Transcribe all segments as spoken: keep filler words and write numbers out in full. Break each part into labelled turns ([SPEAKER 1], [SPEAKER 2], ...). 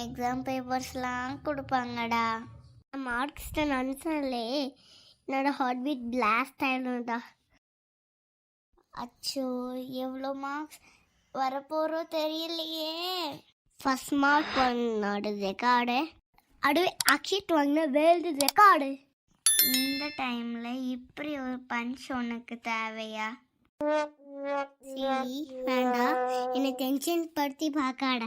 [SPEAKER 1] Exam பேப்பர்ஸ்லாம் கொடுப்பாங்கடா. Marks தான் நினச்சாலே என்னோட heart beat blast ஆகிடும்டா. அச்சோ, எவ்வளோ மார்க்ஸ் வரப்போகிறோ தெரியலையே. ஃபஸ்ட் மார்க் பண்ணோட ரெக்கார்டு, அடுவே அக்ஷித் வாங்கின வேர்ல்டு ரெக்கார்டு. இந்த டைமில் இப்படி ஒரு பஞ்ச் உனக்கு தேவையா? சரி வேண்டாம், என்னை டென்ஷன் படுத்தி பார்க்காட.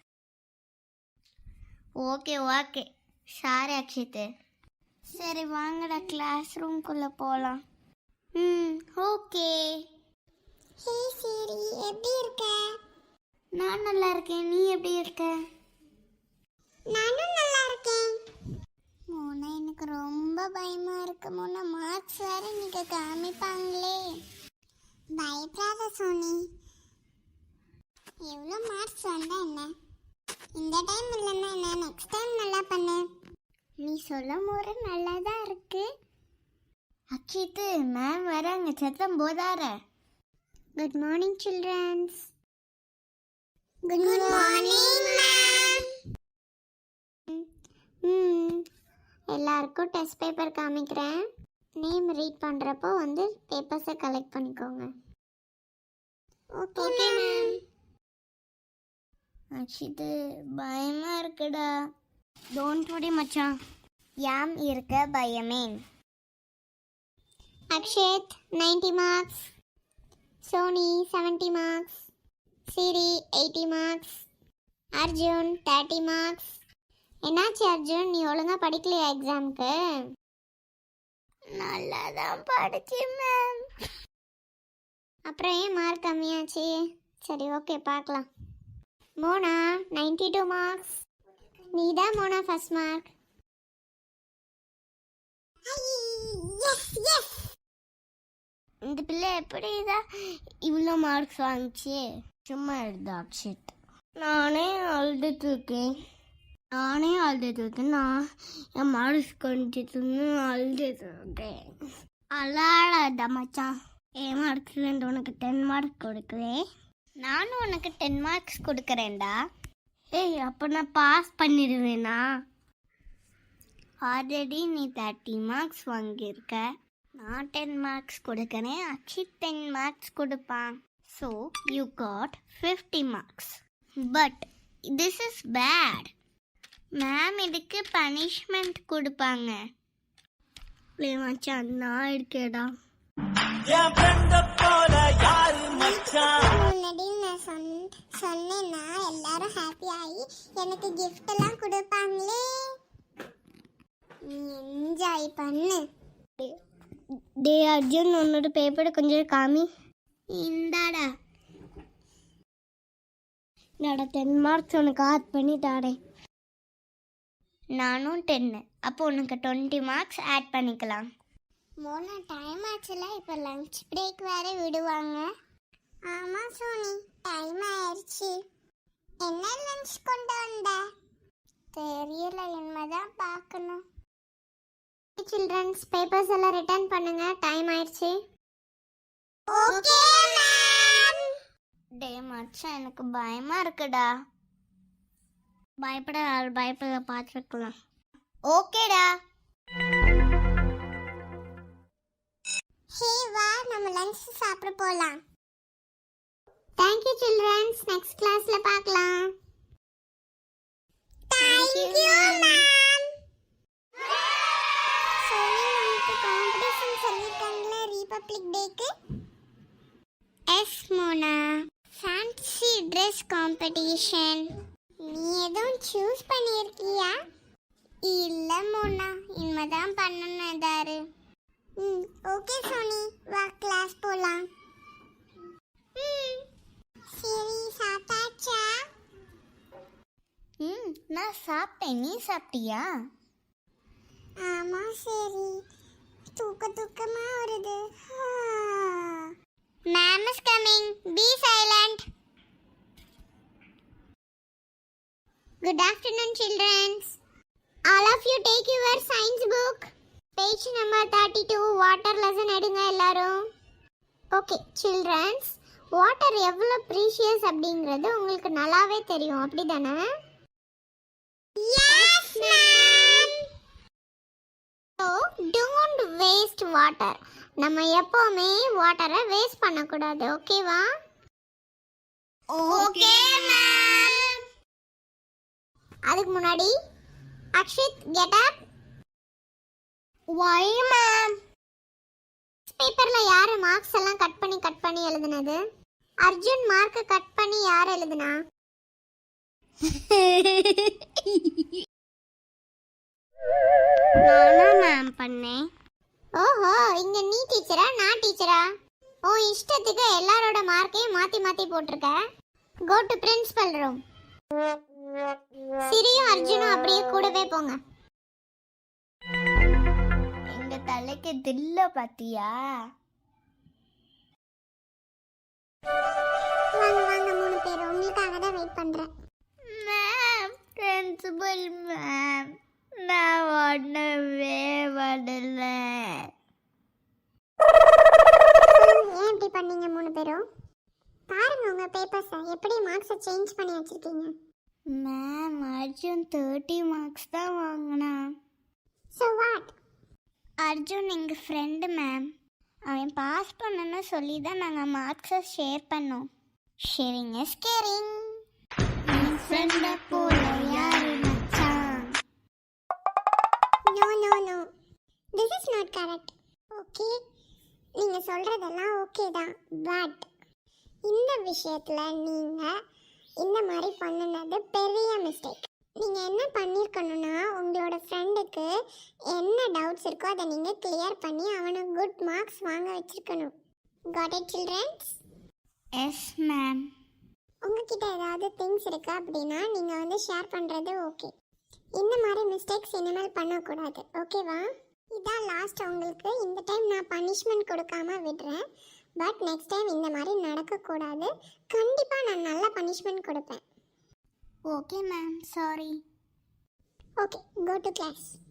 [SPEAKER 1] Okay okay, sorry Akshith. சரி வாங்கடா, கிளாஸ் ரூம்குள்ளே போகலாம். ம் ஓகே. ஹே சரி, எப்படி இருக்க? நான் நல்லா இருக்கேன், நீ எப்படி இருக்க? நானும் நல்லா இருக்கேன். மோனா, எனக்கு ரொம்ப பயமா இருக்கு மோனா. மார்க்ஸ் வேற நீங்க காமிப்பாங்களே. பயப்படாத சோனி, எவ்வளோ மார்க்ஸ் வந்தா என்ன, இந்த டைம் இல்லைன்னா என்ன, நெக்ஸ்ட் டைம் நல்லா பண்ணு. நீ சொல்லும் போது நல்லா தான் இருக்கு. அக்ஷித்து, மேம் வராங்க, சத்தம் போதார. Good morning childrens. Good morning ma'am. ம் எல்லாருக்கும் டெஸ்ட் பேப்பர் காமிக்கிறேன். நேம் ரீட் பண்ணுறப்போ வந்து பேப்பர்ஸை கலெக்ட் பண்ணிக்கோங்க. Okay ma'am. அக்ஷித்து, பயமா இருக்குடா. டோன்ட் வரி மச்சான், யாம் இருக்க பயமேன். Akshith ninety marks, Soni seventy marks, Siri eighty marks, Arjun thirty marks. என்னாச்சு அர்ஜுன், நீ ஒழுங்கா படிக்கலையா எக்ஸாமுக்கு? நல்லா தான் படிச்சேன் மேம். அப்புறம் ஏன் மார்க் கம்மியாச்சு? சரி ஓகே, பார்க்கலாம். Mona ninety two marks. நீ தான் மோனா ஃபர்ஸ்ட் மார்க். இந்த பிள்ளை எப்படி தான் இவ்வளோ மார்க்ஸ் வாங்கிச்சு? சும்மா எழுத அக்ஷித். நானே அழுதுட்டு இருக்கேன், நானே அழுதுட்டு இருக்கேன். நான் என் மார்க்ஸ் கொஞ்சிட்டு அழுதுட்டு இருக்கேன். அழாத மச்சான், என் மார்க்ஸ்லேருந்து உனக்கு டென் மார்க் கொடுக்குறேன். நானும் உனக்கு டென் மார்க்ஸ் கொடுக்குறேன்டா. ஏய், அப்போ நான் பாஸ் பண்ணிடுவேனா? ஆல்ரெடி நீ தேர்ட்டி மார்க்ஸ் வாங்கியிருக்க. நான் டென் மார்க்ஸ் கொடுக்குறேன், அக்ஷித் டென் மார்க்ஸ் கொடுப்பான். So you got fifty marks. But this is bad. Ma'am இதுக்கு பனிஷ்மெண்ட் கொடுப்பாங்க. மச்சான் நான் இருக்கேடா. முன்னாடி நான் சொன்னேன்னா எல்லாரும் ஹாப்பி ஆகி எனக்கு கிஃப்ட் எல்லாம் கொடுப்பாங்களே. நீ என்ஜாய் பண்ணு. டே அர்ஜுன், உன்னோட பேப்பரை கொஞ்சம் காமி. இந்தாடா, என்னோட டென் மார்க்ஸ் உனக்கு ஆட் பண்ணிட்டாடே. நானும் டென்னு, அப்போ உனக்கு டுவெண்ட்டி மார்க்ஸ் ஆட் பண்ணிக்கலாம். மோனா, டைம் ஆச்சுல, இப்போ லஞ்ச் பிரேக் வேற விடுவாங்க. ஆமாம் சோனி, டைம் ஆயிடுச்சு. என்ன லஞ்ச் கொண்டு வந்த? தெரியல, இனிமேதான் பார்க்கணும். சில்ட்ரன்ஸ், பேப்பர்ஸ் எல்லாம் ரிட்டர்ன் பண்ணுங்க, டைம் ஆயிடுச்சு. Okay ma'am. டே மச்சான், எனக்கு பயமா இருக்குடா. பயப்பட பயப்பட பார்த்துக்கலாம். ஓகேடா. ஹே வா, நம்ம லஞ்ச் சாப்பிட போலாம். Thank you children, next classல பார்க்கலாம். Thank you ma'am. சோனி, நமக்கு காம்படிஷன் சொல்லிருக்காங்களே ரிபப்ளிக் டேக்கு. Yes Mona, fancy dress competition. நீ எதுவும் சூஸ் பண்ணியிருக்கியா? இல்லை மோனா, இனிமேதான் பண்ணணும் ஏதாரு. ம் ஓகே சோனி, வா கிளாஸ் போகலாம். ம் சரி, சாப்பிட்டாச்சா? ம் நான் சாப்பிட்டேன், நீ சாப்பிட்டியா? ஆமாம். சரி, தூக்க தூக்கமா வருது. Ma'am is coming, be silent. Good afternoon children. All of you take your science book. Page number thirty-two, water lesson எடுங்க எல்லாரும். Okay children, water எவ்வளவு precious அப்படிங்கிறது உங்களுக்கு நல்லாவே தெரியும், அப்படிதானே? Yes, ma'am. So, don't waste water. நம்ம எப்பவுமே வாட்டரை வேஸ்ட் பண்ணக்கூடாது, ஓகேவா? Okay ma'am. அதுக்கு முன்னாடி Akshith get up. why ma'am? பேப்பர்ல யாரு மார்க்ஸ் எல்லாம் கட் பண்ணி கட் பண்ணி எழுதுனது? அர்ஜுன் மார்க் கட் பண்ணி யார் எழுதுனா? நானா மேம் பண்ணேன். ஓஹோ, இங்க நீ டீச்சரா நான் டீச்சரா? ஓ இஷ்டத்துக்கு எல்லாரோட மார்க்கையும் மாத்தி மாத்தி போட்டிருக்க. Go to principal room. சிரியும் அர்ஜுனும் அப்படியே கூடவே போங்க. எங்க தலைக்கு தில்ல பாத்தியா? வாங்க வாங்க மூணு பேர், உங்களுக்காக தான் வெயிட் பண்றேன். மேம், பிரின்சிபல் மேம், நான் ஒண்ணவே வரல. ஏன் இப்படி பண்ணீங்க மூணு பேரும்? பாருங்க உங்க பேப்பர்ஸ் எப்படி மார்க்ஸ் சேஞ்ச் பண்ணி வச்சிருக்கீங்க. மேம், அர்ஜுன் தேர்ட்டி மார்க்ஸ் தான் வாங்கினா. So what? அர்ஜுன் எங்க ஃப்ரெண்டு மேம். அவன் பாஸ் பண்ணணும்னு சொல்லி தான் நாங்கள் மார்க்ஸை ஷேர் பண்ணோம். Sharing is caring. என் ஃப்ரெண்டை போல யாரு மச்சான்? No no no, this is not correct. Okay, நீங்கள் சொல்கிறதெல்லாம் ஓகே தான், பட் இந்த விஷயத்தில் நீங்கள் இந்த மாதிரி பண்ணினது பெரிய மிஸ்டேக். நீங்கள் என்ன பண்ணியிருக்கணும்னா, உங்களோட ஃப்ரெண்டுக்கு என்ன டவுட்ஸ் இருக்கோ அதை நீங்கள் கிளியர் பண்ணி அவனை குட் மார்க்ஸ் வாங்க வச்சுருக்கணும். Got it childrens? Yes ma'am. உங்ககிட்ட ஏதாவது திங்ஸ் இருக்கா அப்படின்னா நீங்கள் வந்து ஷேர் பண்ணுறது ஓகே. இந்த மாதிரி மிஸ்டேக்ஸ் இனிமேல் பண்ணக்கூடாது, ஓகேவா? இதான் லாஸ்ட் உங்களுக்கு. இந்த டைம் நான் பனிஷ்மெண்ட் கொடுக்காம விடுறேன், பட் நெக்ஸ்ட் டைம் இந்த மாதிரி நடக்கக்கூடாது. கண்டிப்பாக நான் நல்ல பனிஷ்மெண்ட் கொடுப்பேன். Okay ma'am, sorry. Okay, go to class.